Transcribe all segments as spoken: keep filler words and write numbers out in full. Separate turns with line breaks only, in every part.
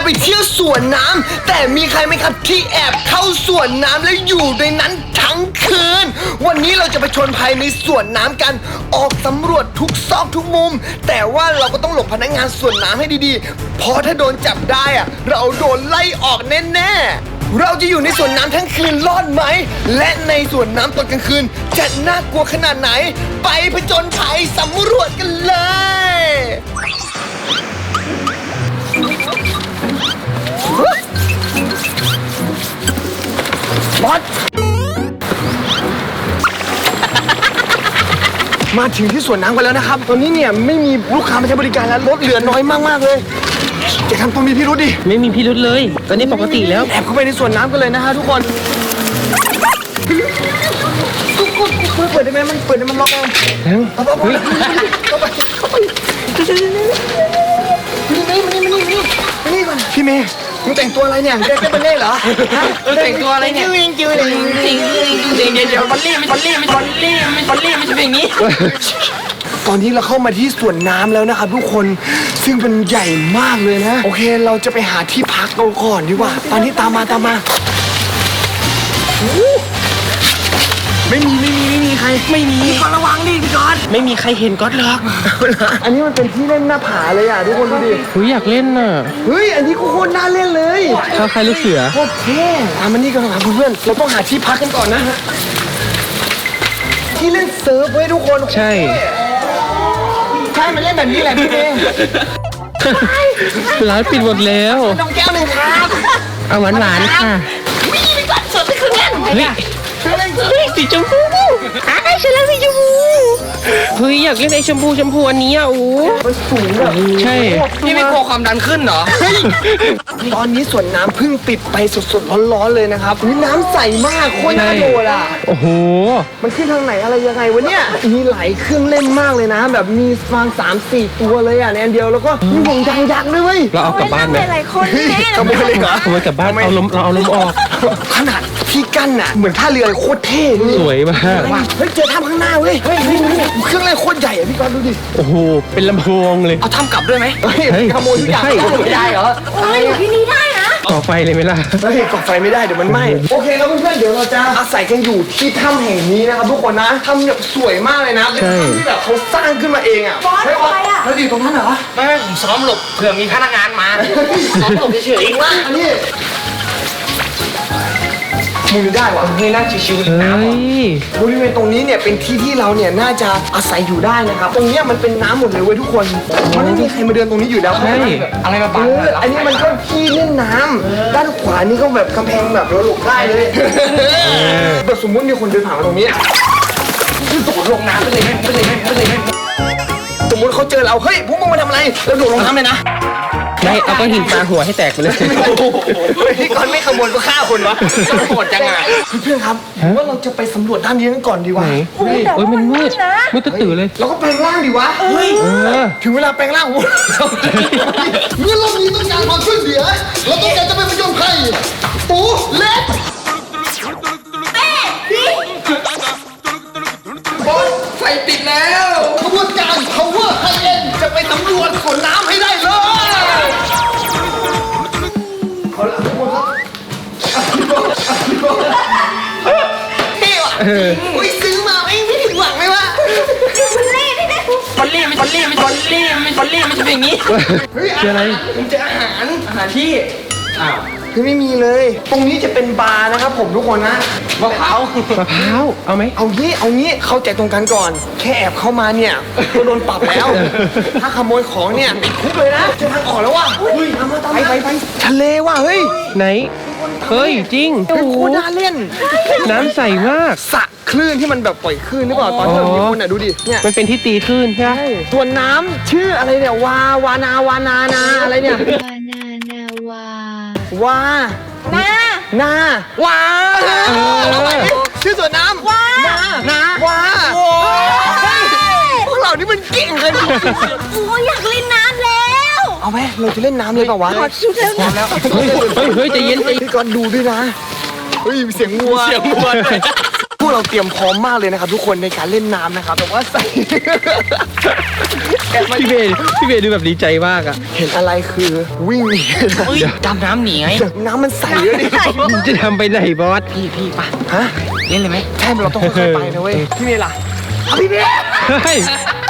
เที่ยวสวนน้ำแต่มีใครไหมครับที่แอบเข้าสวนน้ำแล้วอยู่ในนั้นทั้งคืนวันนี้เราจะไปชนภัยในสวนน้ำกันออกสำรวจทุกซอกทุกมุมแต่ว่าเราก็ต้องหลบพนักงานสวนน้ำให้ดีๆเพราะถ้าโดนจับได้อะเราโดนไล่ออกแน่ๆเราจะอยู่ในสวนน้ำทั้งคืนรอดไหมและในสวนน้ำตอนกลางคืนจะน่ากลัวขนาดไหนไปผจญภัยสำรวจกันเลยบอสมาถึงที่สวนน้ำกันแล้วนะครับตอนนี้เนี่ยไม่มีลูกค้ามาใช้บริการแล้วรถเหลือน้อยมากๆเลยจะทำตัวมีพิรุธดิ
ไม่มีพิรุธเลยตอนนี้ปกติแล้ว
แอบเข้าไปในสวนน้ำกันเลยนะฮะทุกคนเปิดได้ไหมมันเปิดได้มันล็อกเองเอาไปเข้าไปเข้าไปนี่นี่นี่นี่นี่นี่ก่อนพี่เมย์มึงแต่งตัวอะไรเนี่ยแกแกเป็นเล่เหรอ
แต่งตัวอะไรเนี่ย
จิ้วจิ้วเลย
จริงจริงเดี๋ยวเดี๋ยวบอลลี่ไม่บอลลี่ไม่บอลลี่ไม่บอลลี่ไม่ใช่อย่างนี้
ตอนนี้เราเข้ามาที่สวนน้ำแล้วนะครับทุกคนซึ่งเป็นใหญ่มากเลยนะโอเคเราจะไปหาที่พักเราก่อนดีกว่าตอนนี้ตามมาตามมาไม่มีไม่มีไม่มีใครไม่มีพี่กอนระวังดิพี่กอน
ไม่มีใครเห็นก๊อตหรอก
อันนี้มันเป็นที่เล่นหน้าผาเลยอ่ะทุกคนดูดิ
เฮ้ยอยากเล่นน่ะ
เฮ้ยอันนี้โคตรน่าเล่นเลย
เขาใครลูกเสือ
โคตรเท่อ่ะมันนี่กันครับเพื่อนเราต้องหาที่พักกันก่อนนะที่เล่นเซิร์ฟไว้ทุกคน
ใช่
ใช่มันเล่นแบบนี้แหละพี่เมย์
ร้านปิดหมดแล้ว
น้องแก้วหนึ่งครับ
เอาหวานหวานค่ะ
วิ่งไปก่อนสดไปครึ่งเล่น
เฮ้ยสีชมพูไอ้ฉันเล่นสีชมพูเฮ้ยอยากเล่นไอ้ชมพูชมพูอันนี้อ่ะโอ้
มันสูงแบบ
ใช่นี่ไม่กลัวความดันขึ้นเหรอ
ตอนนี้สวนน้ำเพิ่งปิดไปสดๆร้อนๆเลยนะครับนี่น้ำใสมากโคตรน่าโดดอ่ะ
โอ้โห
มันขึ้นทางไหนอะไรยังไงวะเนี่ยมีหลายเครื่องเล่นมากเลยนะแบบมีฟางสามสี่ตัวเลยอ่ะในอันเดียวแล้วก็มีห่วงยางยักษ์ด้วยเว้ย
เราเอากลับบ้านไหม
หลายคนแน่
ขโมยเลยเหรอ
ขโมยกลับบ้านเอาลมเราเอาลมออก
ขนาดที่กั้นอ่ะเหมือนท่าเรือโคตรเท่
สวยมาก
เฮ้ยเจอถ้ำข้างหน้าเว้ยเฮ้ยเครื่องเล่นโคตรใหญ่อ่ะพี่กอนดูดิ
โอ้โหเป็นลำโพงเลย
เอาถ้ำกลับด้วยไหมเฮ้ยขโมยทุกอย่างไม่ได้เหรอ
โอ้ยอยู่ที่นี่ได้นะ
ก่อไฟเลยไหมล่ะ
เฮ้ยก่อไฟไม่ได้เดี๋ยวมันไหม้โอเคแล้วเพื่อนๆเดี๋ยวเราจะอาศัยกันอยู่ที่ถ้ำแห่งนี้นะครับทุกคนนะถ้ำแบบสวยมากเลยนะเป็นถ้ำที่แบบเขาสร้างขึ้นมาเองอ่ะ
บอสอะไรอ่ะ
เราอยู่ตรงนั้นเหรอ
ไม่ไม่ผมซ้อมหลบเผื่อมีพนักงานมาซ้อมหลบเฉยๆ
เองว่าอันนี้มึงได้วะ
เฮ้ยนั่งชิวๆน้ำ
บริเวณตรงนี้เนี่ยเป็นที่ที่เราเนี่ยน่าจะอาศัยอยู่ได้นะครับตรงนี้มันเป็นน้ำหมดเลยเว้ยทุกคนมันไม่มีใครมาเดินตรงนี้อยู่แล้ว
ใช่อะไรมาบัง
อันนี้มันก็ที่เล่นน้ำด้านขวานี่ก็แบบกำแพงแบบเราหลบได้เลยแบบสมมติมีคนเดินผ่านมาตรงนี้คือโดดลงน้ำไปเลยไม่เลยไม่เลยสมมติเขาเจอเราเฮ้ยพวกมึงมาทำอะไรเราโดดลงน้ำเลยนะ
ไม่เอาก้อนหินปาหัวให้แตกไปเลย
พี่ก่อนไม่ขโมยก็ฆ่าคนวะโหดจังไงเพื่อนครับว่าเราจะไปสำรวจด้านนี้กันก่อนดีกว่า
เฮ้ยมันมืดมืดตื่นเลย
เราก็แปลงร่างดีวะเฮ้ยถึงเวลาแปลงร่างเมื่อรอบนี้ต้องการความช่วยเหลือเราต้องการจะไปผจญภัยปูเล็กบอลไฟติดแล้วขบวนการ Power High End จะไปสำรวจสวนน้ำให้ได้เลยเอาละทุกคนครับเท่ว่ะอุ้ยซื้อมาไม่ไม่ถึงหวังไหมวะ
บอลลี่นี่นะ
บอลลี่ไม่บอลลี่ไม่บอลลี่ไม่บอลลี่ไม่ใช่อย่างนี้
เฮ้ย
อะไร
ผมเจออาหารอาหารที่อ้าวคือไม่มีเลยตรงนี้จะเป็นบาร์นะครับผมทุกคนนะ
มะพร้าวมะพร้าวเอาไหม
เอางี้เอางี้เข้าใจตรงกันก่อนแค่แอบเข้ามาเนี่ยก็โดนปรับแล้วถ้าขโมยของเนี่ยติดคุกเลยนะเจอทางออกแล้วว่ะเฮ้ยตามมาตามมาไปไปทะเลว่ะเฮ้ย
ไหนเฮ้ยจริง
เป็นโคตรน่าเล่น
น้ำใสมาก
สระคลื่นที่มันแบบปล่อยคลื่นหรือเปล่าตอนที่เราญี่ปุ่นอ่ะดูดิเนี่ย
มันเป็นที่ตีคลื่นใช่ไหม
ส่วนน้ำชื่ออะไรเนี่ยวาวานาวานานาอะไรเนี่ยว
านานาว
าวา
นา
นาวาชื่อสวนน้ำ
วา
นา
นาว
าพวกเรานี่มันเก่งกัน
โอ้ยอยากเล่นน้ำแล้ว
เอาไหมเราจะเล่นน้ำเลยเปล่าวะ
ขอชุดแล้ว
แล้วเฮ้ยเฮ้ยใจเย็นใจ
พี่ก่อนดูด้วยนะเฮ้ยเสียงวัว
เสียงวัว
พูดวกเราเตรียมพร้อมมากเลยนะครับทุกคนในการเล่นน้ำนะครับแต่ว่าใส่ แอบมา
พี่เบย์พี่เบย์ดูแบบดีใจมากอ่ะ
เห็นอะไรคือวิ่งหนี
เฮ้ยดำน้ำหนีไง
น้ำมันใสเลยดิ
จะทำไปไหนบอส
พี่พี่ปะ
ฮะ
เล่นเลยไหม
ใช่เราต้องค่อยๆไปนะเว้ยพี่เมย์ล่ะเอาพี่เมย์
เฮ้ย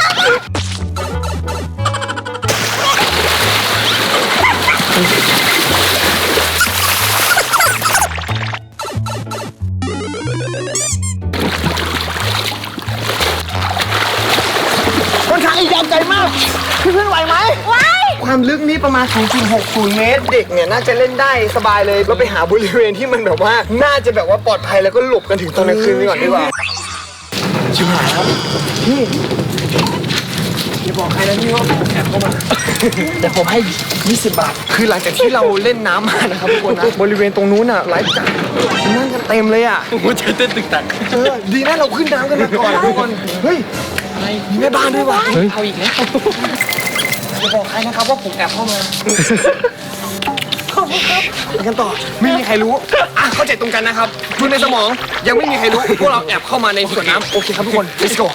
ค่อนข้างยาวไกลมากเพื่อนๆไหวไหมไหวความลึกนี่ประมาณ ศูนย์จุดหกศูนย์ เมตร เด็กเนี่ยน่าจะเล่นได้สบายเลยเราไปหาบริเวณที่มันแบบว่าน่าจะแบบว่าปลอดภัยแล้วก็หลบกันถึงตอนกลางคืนนี้ก่อนดีกว่าชิบหายครับพี่อย่าบอกใครนะพี่ว่าผมแอบเข้ามา แต่ผมให้ยี่สิบบาท คือหลังจากที่เราเล่นน้ำมานะครับทุกคนนะบริเวณตรงนู้นอ่ะไลฟ์การ์ดนั่งกันเต็มเลยอ่ะ
หัวใจเต้นตึกตัก
เออดีนะเราขึ้นน้ำกันมาก่อนนะทุกคนเฮ้ยมีแม่บ้านด้วยวะ
เฮ้ย
เอาอีกแล้ว
อย่าบอกใครนะครับว่าผมแอบเข้ามาขอบคุณครับไปกันต่อไม่มีใครรู้อ่ะเข้าใจตรงกันนะครับดูในสมองยังไม่มีใครรู้พวกเราแอบเข้ามาในสวนน้ำโอเคครับทุกคน let's go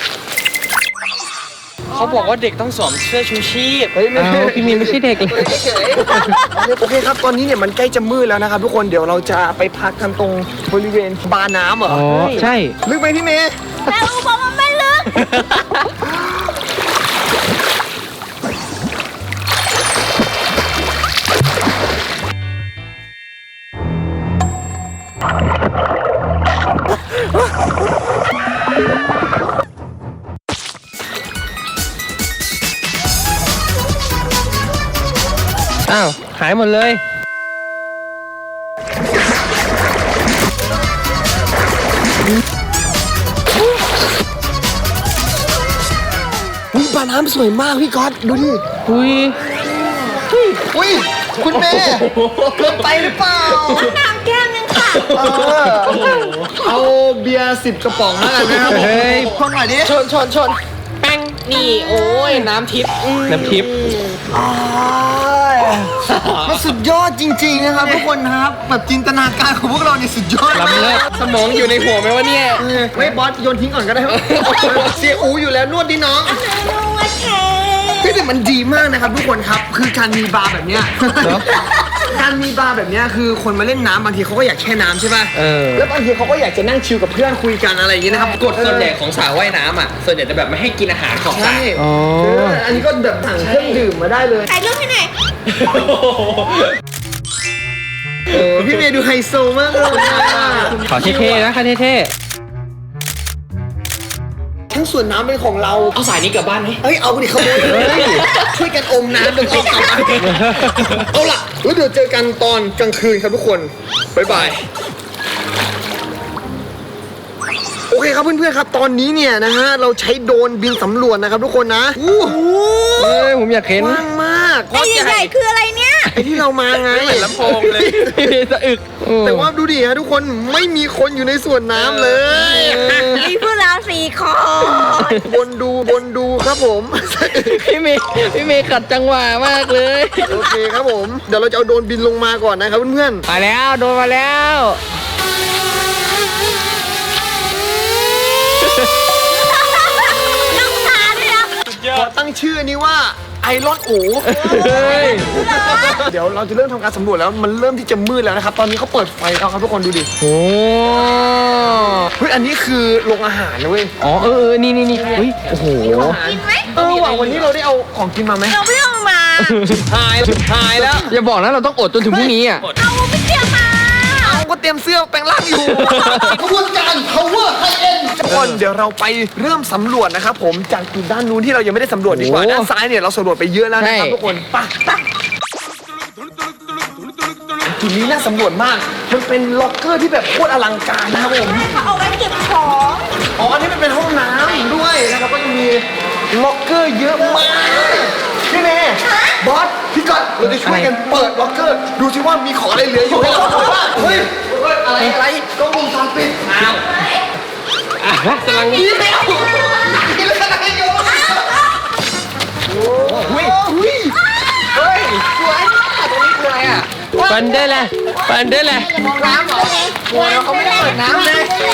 เขาบอกว่าเด็กต้องสวมเสื้อชูชีพ
เฮ้ยไม่
เอาพี่มีไม่ใช่เด็กเลย
เฉยๆโอเคครับตอนนี้เนี่ยมันใกล้จะมืดแล้วนะครับทุกคนเดี๋ยวเราจะไปพักกันตรงบริเวณบาร์น้ำเหรอ
อ๋อใช่
ลึกไหมพี่เมย์
แต่อูบอกมันไม่ลึก
อ้าวหายหมดเลย
อุ้ยบาร์น้ำสวยมากพี่ก๊อตดูดิ
อุ้ย
อุ้ยคุณเมย์เกินไปหรือเปล่า
น้ำแก้วนึงค่ะ
เออเอาเบียร์สิบกระป๋องแล้วกันนะครับผม
เฮ้ย
คนหน่อยดิ
ชนชนชนแป้งนี่โอ้ยน้ำทิพย์อืม
น้ำทิพย์
อ้ายมันสุดยอดจริงๆนะครับทุกคนนะครับแบบจินตนาการของพวกเราเนี่ยสุดยอด
ล้ำเลิศ
สมองอยู่ในหัวไหมวะเนี่ย
เออไม่บอสโยนทิ้งก่อนก็ได้ครับเสียอูอยู่แล้วนวดดิน้อง
นูว่าเท
เฮ้ยแต่มันดีมากนะครับทุกคนครับคือการมีบาร์แบบเนี้ยการมีบาร์แบบเนี้ยคือคนมาเล่นน้ำบางทีเขาก็อยากแช่น้ำใช่ป่ะ
เออ
แล้วบางทีเขาก็อยากจะนั่งชิลกับเพื่อนคุยกันอะไรอย่างนี้นะครับ
กฎส่วนใหญ่ของสระว่ายน้ำอ่ะ ส่วนใหญ่จะแบบไม่ให้กินอาหารของสระ
ใช่
อ๋อ
เอออันนี้ก็แบบสั่งเครื่องดื่มมาได้เลย
ถ่ายรูปให้หน่อย
โอ้พี่เมย์ดูไฮโซมากเลยอะ
ขอเท่ๆนะค่ะเท่
ทั้งส่วนน้ำเป็นของเรา
เอาสายนี้กลับบ้านไหม
เฮ้ยเอาดิขโมยเลยช่วยกันอมน้ำเดี๋ยวเอากลับมาเอาล่ะแล้วเดี๋ยวเจอกันตอนกลางคืนครับทุกคนบ๊ายบายโอเคครับเพื่อนๆครับตอนนี้เนี่ยนะฮะเราใช้โดรนบินสำรวจนะครับทุกคนนะอู้
ๆเฮ้ยผมอยากเห็น
กว้างมาก
ไอ้ใหญ่ๆคืออะไรเนี่ย
ไอ้ที่เรามาไง
ลำโพงเลย
พี่เบย์สะอึกโอ้
แต่ว่าดูดิฮะทุกคนไม่มีคนอยู่ในสวนน้ำเลย
มีพวกเราสี่คน
บนดูบนดูครับผม
พี่เมย์พี่เมย์ขัดจังหวะมากเลย
โอเคครับผม เดี๋ยวเราจะเอาโดรนบินลงมาก่อนนะครับเพื่อน
มาแล้วโดนมาแล้ว
น้องตาด้วยนะ
ๆขอตั้งชื่อนี้ว่าไอรอนอู
เฮ้ย
เดี๋ยวเราจะเริ่มทำการสำรวจแล้วมันเริ่มที่จะมืดแล้วนะครับ ตอนนี้เขาเปิดไฟแล้วครับทุกคนดูดิ
โอ้
เฮ้ยอันนี้คือโรงอาหารนะเว้ย
อ๋อเออเออนี่นี่นี่เฮ้ยโอ้โห
กินไหม
เออว่ะวันนี้เราได้เอาของกินมาไหม
เราไม่เอามา
หายหายแล้ว
อย่าบอกนะเราต้องอดจนถึงพรุ่งนี้อ่ะ
เอาไม่เตรียมมา
เอาก็เตรียมเสื้อแปลงร่างอยู่ขบวนการ power high end ทุกคนเดี๋ยวเราไปเริ่มสำรวจนะครับผมจากจุดด้านนู้นที่เรายังไม่ได้สำรวจดีกว่า
โอ้
ด้านซ้ายเนี่ยเราสำรวจไปเยอะแล้วนะครับ
ใช่
ทุกคนไปไปจุดนี้น่าสำรวจมาก มันเป็นล็อกเกอร์ที่แบบโคตรอลังการนะครับผม
เขาเอาไว้เก็บของ
อ๋ออันนี้มันเป็นห้องน้ำด้วยนะครับก็จะมีล็อกเกอร์เยอะมากพี่เมย์บอสพี่ก๊อตเราจะช่วยกันเปิดล็อกเกอร์ดูสิว่ามีของอะไรเหลืออยู่ให้เราดูบ้างเฮ้ยอะไรอะไรกล้องวงจรปิดอ้าว
อ่ะกำลัง
นี่ไม่เอานี่เป็นอะไรอยู่โอ้ยเฮ้ยเฮ้ยสวยมากตรงนี้คืออะไรอ่ะ
ฟันได้เลย
โอ้
ปันได้แหละ
น้ำเหรอโอ้ยเขาไม่ได้เปิดน้ำเลย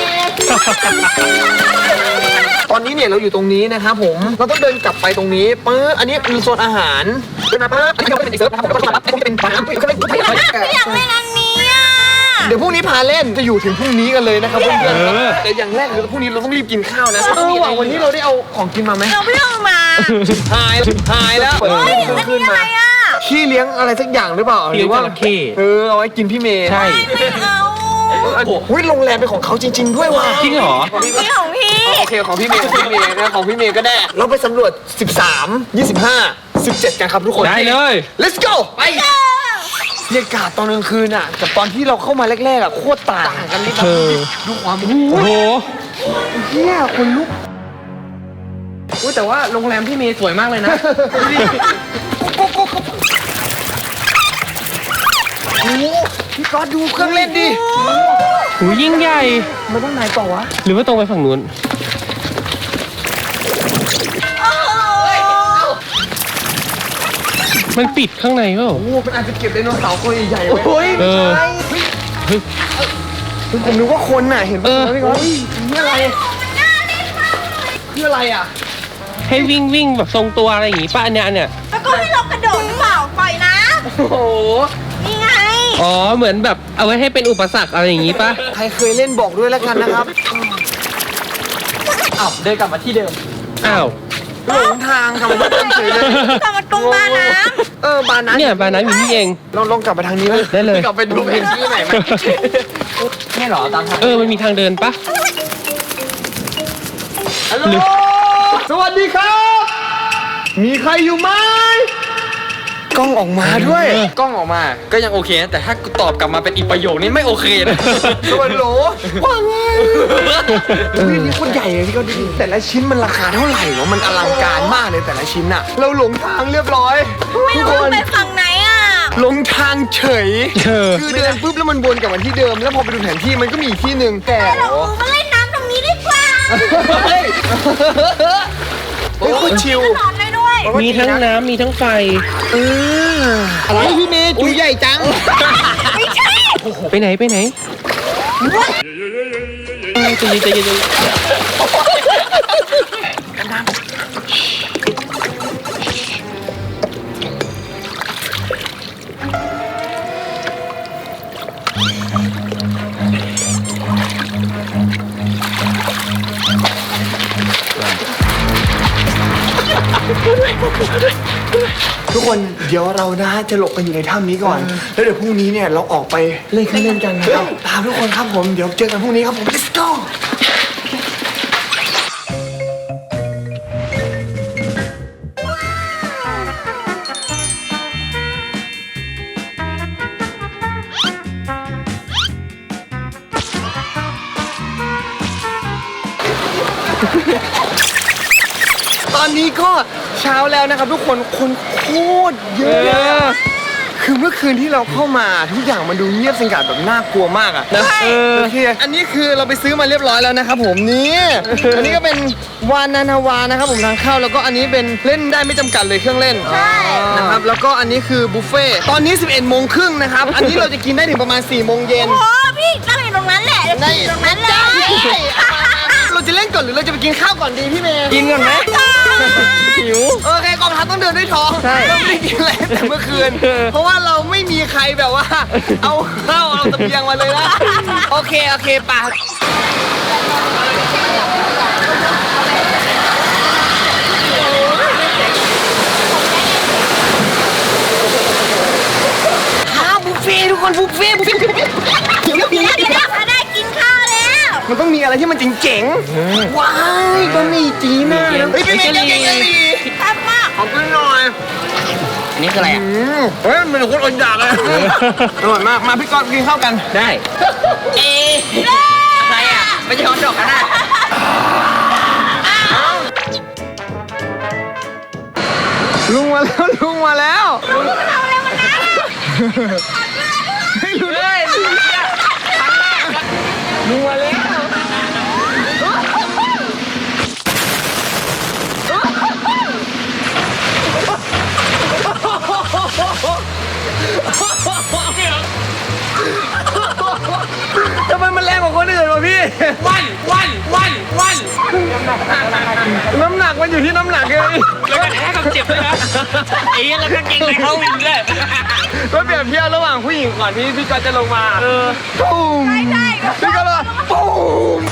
ตอนนี้เนี่ยเราอยู่ตรงนี้นะครับผม เราต้องเดินกลับไปตรงนี้ปึ๊บอันนี้คือโซนอาหารเดินมาปึ๊บอันนี้ก็เป็นอีกเซิร์ฟนะครับผมก็จะเป็นน้ำก็เป็น
อยากเล่นอันนี้อ่ะ
เดี๋ยวพรุ่งนี้พาเล่นจะอยู่ถึงพรุ่งนี้กันเลยนะครับเพื่อนๆแต่อย่างแรกคือพรุ่งนี้เราต้องรีบกินข้าวนะเออว่ะวันนี้เราได้เอาของกินมาไหม
เราไม่เอามา
หายหายแล้ว
เฮ้ยอันนี้อะไรอ่ะ
ขี้เลี้ยงอะไรสักอย่างหรือเปล่าหรือว่าเออเอาไว้กินพี่เมย์
ใช่
ไม่เอา
อุ้ยโรงแรมเป็นของเขาจริง ๆ ด้วยว่ะ
จริงเหรอ
นี่ของพี่
โอเคของพี่เมย์ของพี่เมย์นะของพี่เมย์ก็ได้เราไปสำรวจสิบสาม ยี่สิบห้า สิบเจ็ดกันครับทุกคน
ได้เลย
let's go ไปบรรยากาศตอนกลางคืนอ่ะกับตอนที่เราเข้ามาแรกๆอ่ะโคตรต่างกันเลยครับ
เออ
ดูความ
โอ้โห
เฮียคนลุก
อุ้ยแต่ว่าโรงแรมพี่เมย์สวยมากเลยนะ
โอ้โหพี่ก๊อตดูเครื่องเล่นดิ
หูยิ่งใหญ่
มันต้องไหนต่อวะ
หรือว่าตรงไปฝั่งนู้น มันปิดข้างในเปล่า
โอ้โหมันอาจจะเก็บไดโนเสาร์ตัวใหญ่ๆไว้
เออ
เฮ้ยผมนึกว่าคนน่ะเห็นปะ
เออ
พี่ก๊อตนี่อะไรนี่อะไรอ่ะ
ให้วิ่งวิ่งแบบทรงตัวอะไรอย่างงี้ป่ะอันเนี้ยอันเนี้ย
แล้วก็ให้เรากระโดดหรือเปล่าปล่อยนะ
โอ้โห
นี่ไง
อ๋อเหมือนแบบเอาไว้ให้เป็นอุปสรรคอะไรอย่างงี้ป่ะ
ใครเคยเล่นบอกด้วยแล้วกันนะครับ
อ้าวเดินกลับมาที่เดิม
อ้าว
หลงทางทำไมต้องเฉยเลย
กลับมาตรงบาน้
เออบานนั้น
เนี่ยบาน้ำอยู่นี่เอง
ลองลองกลับไปทางนี้ไหม
ได้เลย
กลับไปดูเพนที่ไหนไหม
นี่เหรอตามทาง
เออมันมีทางเดินป่ะ
ฮัลโหลสวัสดีครับ มีใครอยู่ไหมกล้องออกมาด้วย
กล้องออกมา ก็ยังโอเคนะแต่ถ้ากูตอบกลับมาเป็นอีกประโยคนี้ไม่โอเคนะ
สวัสดีโหลว่าไงเฮ้ยนี่โคนใหญ่เลยที่เขาดูดิแต่ละชิ้นมันราคาเท่าไหร่วะมันอลังการมากเลยแต่ละชิ้นอะเราหลงทางเรียบร้อย
ำไม่
ทุก
รู้
คน
ไปฝั่งไหนอ่ะ
หลงทางเฉย
เออ
คือเดินปุ๊บแล้วมันวนกลับมาที่เดิม แล้วพอไปดูแผนที่มันก็มีอีกที่หนึ่งแต่
เรามาเล่นน้ำตรงนี้ดีกว่า
เฮ้ยเฮ้ยโคตรชิล
นอนได้ด้วย
มีทั้งน้ำมีทั้งไฟ
เอออะไรพี่เมย์จูใหญ่จัง
ไม่ใช่
ไปไหนไปไหนใจเย็นใจเย็นใจเย็น
ทุกคนเดี๋ยวเรานะจะหลบกันอยู่ในถ้ำนี้ก่อน แล้วเดี๋ยวพรุ่งนี้เนี่ยเราออกไปเล่นเครื่องเล่นกันนะครับตามทุกคนครับผมเดี๋ยวเจอกันพรุ่งนี้ครับผม let's go ตอนนี้ก็เช้าแล้วนะครับทุกคนคนโคตรเยอะคือเมื่อคืนที่เราเข้ามาทุกอย่างมันดูเงียบสงัดแบบน่ากลัวมากอะนะ
เออ
โอเคอันนี้คือเราไปซื้อมาเรียบร้อยแล้วนะครับผมนี่อันนี้ก็เป็นวานานาวานะครับผมทางเข้าแล้วก็อันนี้เป็นเล่นได้ไม่จำกัดเลยเครื่องเล่น
ใช่
นะครับแล้วก็อันนี้คือบุฟเฟ่ต์ตอนนี้ สิบเอ็ดโมงครึ่งนะครับอันนี้เราจะกินได้ถึงประมาณ สี่โมงเย็น
โอ้พี่ตั้งอยู่ตรงนั้นแหละตั้งอยู่ตรงนั้นเลย
เราจะเล่นก่อนหรือเราจะไปกินข้าวก่อนดีพี่เมย์
กินก่อนไหม หิว
โอเคกองทัพต้องเดินด้วยท้อง
ใช่
เราไม่ได้กินอะไรตั้งแต่เมื่อคืน
เออ
เพราะว่าเราไม่มีใครแบบว่า เอาข้าวเอาตะเกียงมาเลยนะโอเคโอเคป่ะข้าวบุฟเฟ่ต์ทุกคนบุฟเฟ่ต์บุฟเฟ่ต์เดี๋ยวเดี๋ยว
เดี๋ยว
เดี๋ยว
เดี๋ยวเขาได้กินข้าวแล้ว
มันต้องมีอะไรที่มันเจ๋งๆว้ายบะหมี่จีน่าเฮ้ยเป็นไงเก่งๆดี
ทำมาก
ขอบคุณหน่อย
อันนี้คืออะไรอ่ะ
อืมเฮ้ยมันโคตรอดอยากเลยอร่อยมาก มาพี่กอนกินข้าวกัน
ได้
เออะไรอ่ะไม่ใช่ฮอตดอกกันนะ
ลุงมาแล้วลุงมาแล้วเฮ้ยลุงเลยลุงมาแล้ว
วันวันวันวัน
น้ำหนักมันอยู่ที่น้ำหนักเลย
แล้วก็แท้กับเจ็บด้วยนะไอ้แล้วก็เก่งเลยเขาวินเลย
ก็เปรียบเทียบระหว่างผู้หญิงก่อนที่พี่ก๊อตจะลงมาเออปุ้ม
ใช่
พี่ก๊อตเลยปุ้ม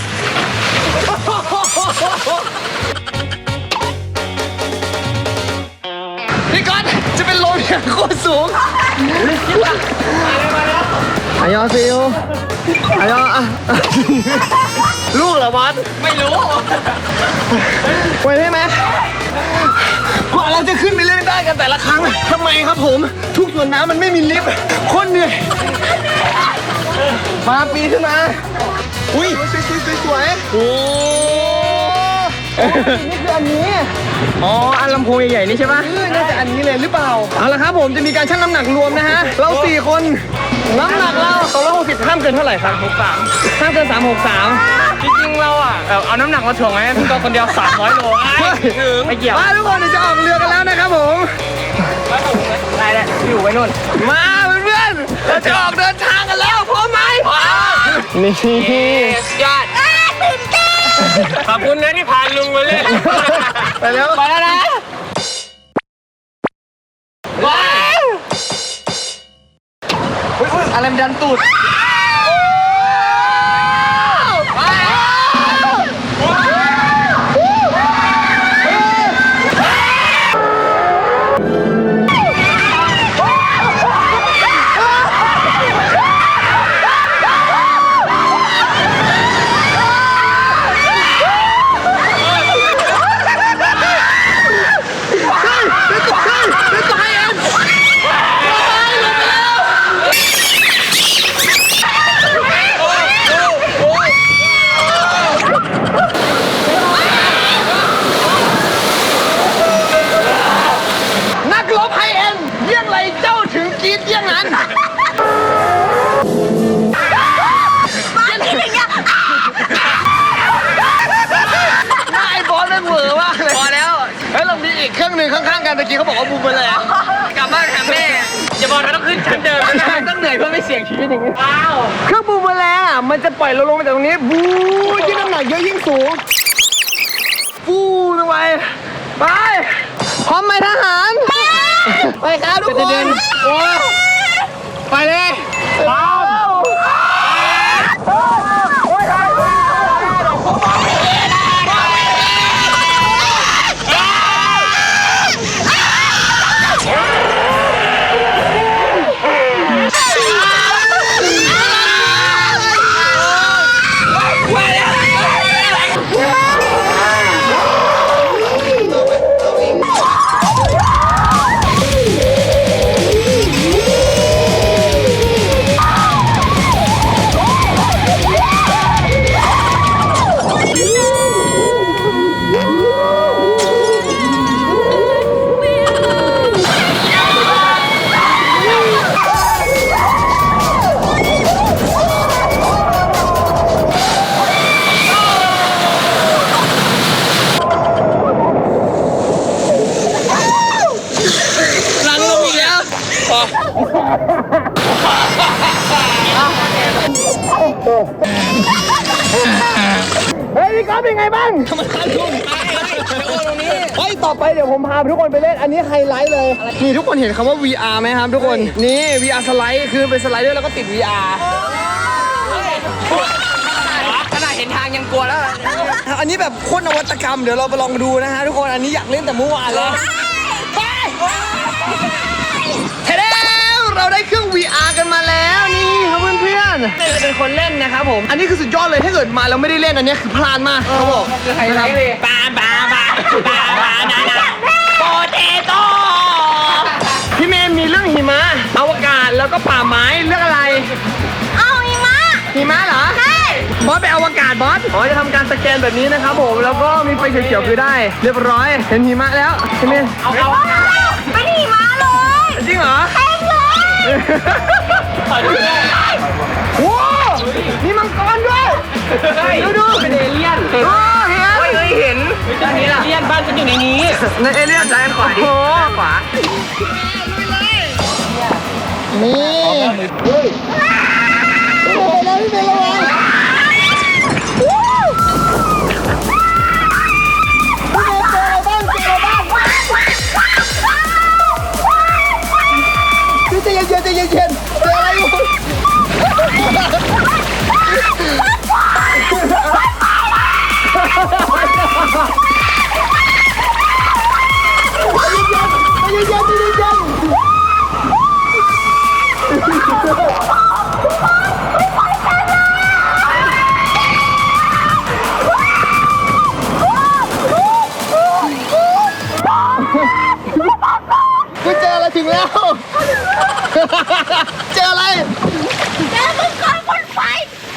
พี่ก๊อตจะเป็นลมอย่างโคตรสูงอายอซิลอายออ่ะลูกเหรอบอส
ไม่รู้
ไหวได้ไหมกว่าเราจะขึ้นไปเล่นได้กันแต่ละครั้งทำไมครับผม ทุกส่วนน้ำมันไม่มีลิฟต์โคตรเหนื่อยมาปีนขึ้นมาอุ้ยสวยสวยสวยสวยโอ้นี่คืออันนี้อ๋ออันลำโพงใหญ่ๆนี่ใช่ปะน่าจะอันนี้เลยหรือเปล่าเอาละครับผมจะมีการชั่งน้ำหนักรวมนะฮะเราสี่คนน้ำหนักเราสองร้อยหกสิบห้ามเกินเท่าไหร่ครับหกสามห้ามเกินสามหกสามจริงๆเราอ่ะเอาน้ำหนักมาถ่วงไว้พี่ก็คนเดียวสามร้อยโลถึงไม่เกี่ยวมาทุกคนเดี๋ยวจะออกเรือกันแล้วนะครับผมได้แล้วอยู่ไว้นู่นมาเพื่อนๆเราจะออกเดินทางกันแล้วพร้อมไหมพร้อมนี่
ยอด
ตื่นเต้น
ขอบคุณนะที่พาลุงมาเล่น
ไปแล้ว
ไปแล้วนะว้าว
อะไรมันดันตูดนักรบไฮเอ็นเยี่ยงไรเจ้าถึงกรีดเยี่ยงนั้น
บ้านที่อย่างเงี้ย
หน้าไอ้บอสนั่นเหวอมากเลยพอแล้วเฮ้ยเรามีอีกเครื่องหนึ่งข้างๆกันตะกี้เขาบอกว่าบูมไปเลยกลับบ้านหาแม่
อย่าบอกนะต้องขึ้นชั้นเดิมนะ
ต้องเหนื่อยเพื่อไม่เสี่ยงชีวิตอย่างนี้
ว้าว
เครื่องบูมแมลงอ่ะมันจะปล่อยเราลงมาจากตรงนี้บูยิ่งน้ำหนักเยอะยิ่งสูงฟูลงไปไปพร้อมไหมทหารไปครับทุกคนโอ้ไปเลยว้าวเฮ้ยพี่ก๊อฟเป็นไงบ้างทำไมคันทุ่มเฮ้ยต่อไปเดี๋ยวผมพาทุกคนไปเล่นอันนี้ไฮไลท์เลยนี่ทุกคนเห็นคำว่า วี อาร์ ไหมครับทุกคนนี่ วี อาร์ สไลด์คือเป็นสไลด์ด้วยแล้วก็ติด วี อาร์
ขนาดเห็นทางยังกลัวแล้ว
อันนี้แบบโคตรนวัตกรรมเดี๋ยวเราไปลองดูนะฮะทุกคนอันนี้อยากเล่นแต่เมื่อวานเลยเทเดเราได้เครื่อง วี อาร์ กันมาแล้วนี่ครับเพื่อนๆเป็นเป็นคนเล่นนะครับผมอันนี้คือสุดยอดเลยถ้าเกิดมาแล้วไม่ได้เล่นอันนี้คือพลาดมากเขาบอก
คือไฮไลท์เลยปาปาปาปาปานานาโปเตโต้
พี่เมย์มีเรื่องหิมะอวกาศแล้วก็ป่าไม้เรื่องอะไร
เอาอีมา
หิมะเหรอ
ใช่
บอสไปอวกาศบอสอ๋อจะทำการสแกนแบบนี้นะครับผมแล้วก็มีไฟเขียวๆคือได้ เรียบร้อยเห็นหิมะแล้วพี่เมย์
เอาเอา
ไม่หนีมาเลย
จริงเหรอ
เต็มเลย
ถอยดูได้
โว้มีมังกรด้วยดูดู
เป็นเอเลี่ยน
โอ้เห็น
ไม่เคยเห็นด้านนี้ล่ะเอเลี่ยนบ้านฉันอยู่ในนี้
ในเอเลี่ยนซ้ายขวาดิขวานี่เฮ้ยไปแล้วพี่เมย์ระวังนๆใจเย็นๆเจออะไรอยู่ใจเย็นๆใจเย็นๆใจเย็นคุณเจออะไรถึงแล้ว เจออะไร
เจอมึงก่อนบนไฟ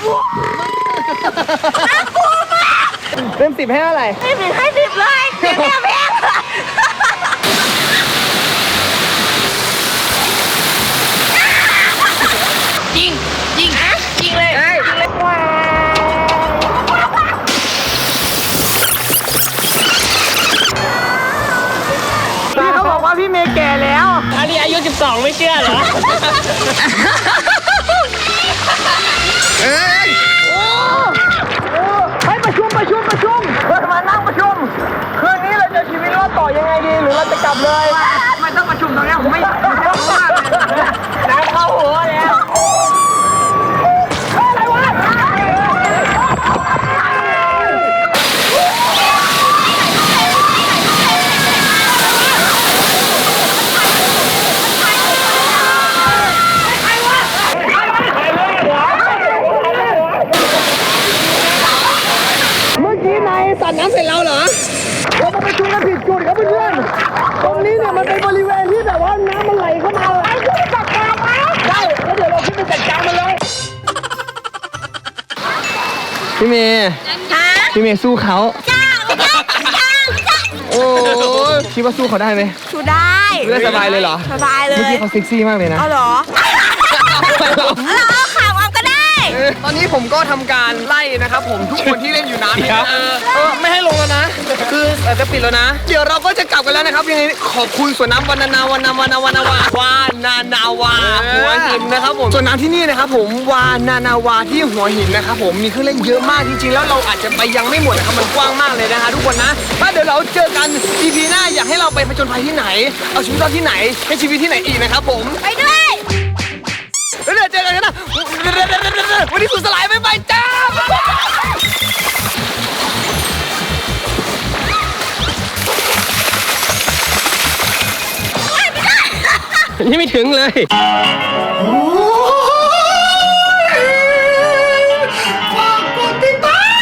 น่ากลัวมาก
เต็มสิบให้เท่าไหร่
ให้สิบให้สิบเลยเดี๋ยวแม่แม่ยิงยิงยิงเลยยิงเลยว้า
พี่เขาบอกว่าพี่เมย์แก่แล้ว
อันนี้อายุสิบสองไม่เชื่อเหรอ
เอ้ยโอ้โอ้ให้ประชุมประชุมประชุมเราจะมานั่งประชุม คืนนี้เราจะชีวิตรอดต่อยังไงดี หรือเราจะกลับเลยไม่ต้องประชุมตรงนี้ผมไม่ไม่รู้มากเลยน้ำเข้าหัวแล้วอะไรวะเมื่อกี้นายสั่นน้ำใส่เราเหรอ เรามาประชุมกันผิดจุดครับเพื่อนๆตรงนี้เนี่ยมันเป็นบริเวณที่แบบว่าน้ำมันไหลเข้ามาไอ้ที่จัดการไหมได้แล้วเดี๋ยวเราขึ้นไปจัดการมันเลย พี่เมย์
ฮะ
พี่เมย์สู้เขา
จ้าไม่ได้จ้าจ้า
โอ้คิดว่าสู้เขาได้ไหม
สู้ได้
ได้สบายเลยเหรอ
สบายเลย
เมื่อกี้เขาเซ็กซี่มากเลยนะ
เอาเหรอเราเอาข่าวเอาก็ได้
ตอนนี้ผมก็ทำการไล่นะครับผมทุกคนที่เล่นอยู่น้ำเนี่ย
ครับ
เออเออไม่ให้ลงแล้วนะ คืออาจจะปิดแล้วนะ เดี๋ยวเราก็จะกลับกันแล้วนะครับยังไงขอบคุณสวนน้ำวานานาวานาวานาวานาวาวานานาวาหัวหินนะครับผมสวนน้ำที่นี่นะครับผมวานานาวาที่หัวหินนะครับผมมีเครื่องเล่นเยอะมากจริงๆแล้วเราอาจจะไปยังไม่หมดนะครับมันกว้างมากเลยนะฮะทุกคนนะถ้าเดี๋ยวเราเจอกัน อี พี หน้าอยากให้เราไปผจญภัยที่ไหน เอาชีวิตรอดที่ไหนให้ชีวิตที่ไหนอีกนะครับผม
ไปด้วย
แล้วเดี๋ยวเจอกันนะวันนี้สุดสลายไปไปจ้า
ยังไม่ถึงเลย
ฝากกดติดตาม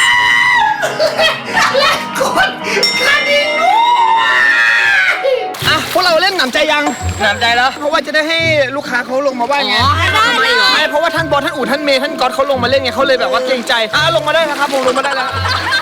และกดกระดิ่งด้วย
อ่ะพวกเราเล่นหนำใจยัง
หนำใจแล้ว
เพราะว่าจะได้ให้ลูกค้าเขาลงมาว่าไง
ให้เราทำไมเหรอ
ไม่เพราะว่าท่านบอสท่านอู๋ท่านเมย์ท่านก๊อตเขาลงมาเล่นไงเขาเลยแบบว่าเกรงใจอ่ะลงมาได้นะครับผมลงมาได้แล้ว
เ